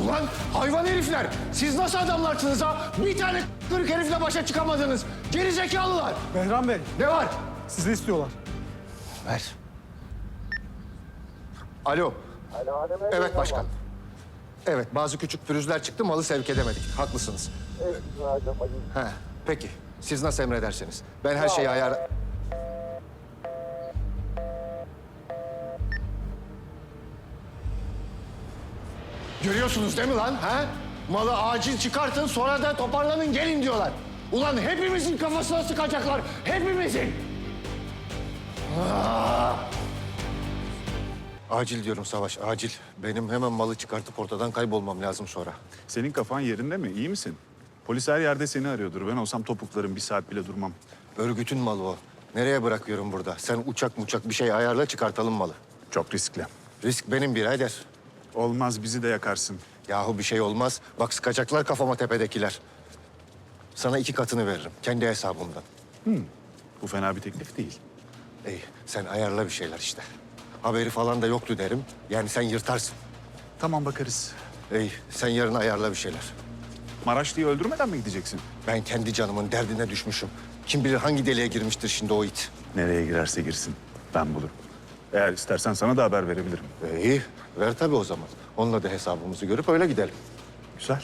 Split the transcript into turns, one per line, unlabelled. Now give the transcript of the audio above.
Ulan hayvan herifler! Siz nasıl adamlarsınız ha? Bir tane kırık herifle başa çıkamadınız. Gerizekalılar!
Behram Bey,
Ne var?
sizi istiyorlar.
Ver. Alo. Evet başkan. Evet, bazı küçük pürüzler çıktı, malı sevk edemedik. Haklısınız. Ha, peki. Siz nasıl emredersiniz? Ben her şeyi ayar... Görüyorsunuz değil mi lan? Ha? Malı acil çıkartın, sonra da toparlanın, gelin diyorlar. Ulan hepimizin kafasına sıkacaklar, hepimizin! Acil diyorum Savaş, acil. Benim hemen malı çıkartıp ortadan kaybolmam lazım sonra.
Senin kafan yerinde mi? İyi misin? Polis her yerde seni arıyordur. Ben olsam topuklarım bir saat bile durmam.
Örgütün malı o. Nereye bırakıyorum burada? Sen uçak bir şey ayarla, çıkartalım malı.
Çok riskli.
Risk benim birader.
Olmaz, bizi de yakarsın.
Yahu bir şey olmaz. Bak sıkacaklar kafama tepedekiler. Sana 2 katını veririm, kendi hesabımdan.
Bu fena bir teklif değil.
İyi, sen ayarla bir şeyler işte. Haberi falan da yoktu derim. Yani sen yırtarsın.
Tamam, bakarız.
İyi, sen yarın ayarla bir şeyler.
Maraşlı'yı öldürmeden mi gideceksin?
Ben kendi canımın derdine düşmüşüm. Kim bilir hangi deliğe girmiştir şimdi o it.
Nereye girerse girsin. Ben bulurum. Eğer istersen sana da haber verebilirim.
İyi, ver tabii o zaman. Onunla da hesabımızı görüp öyle gidelim.
Güzel.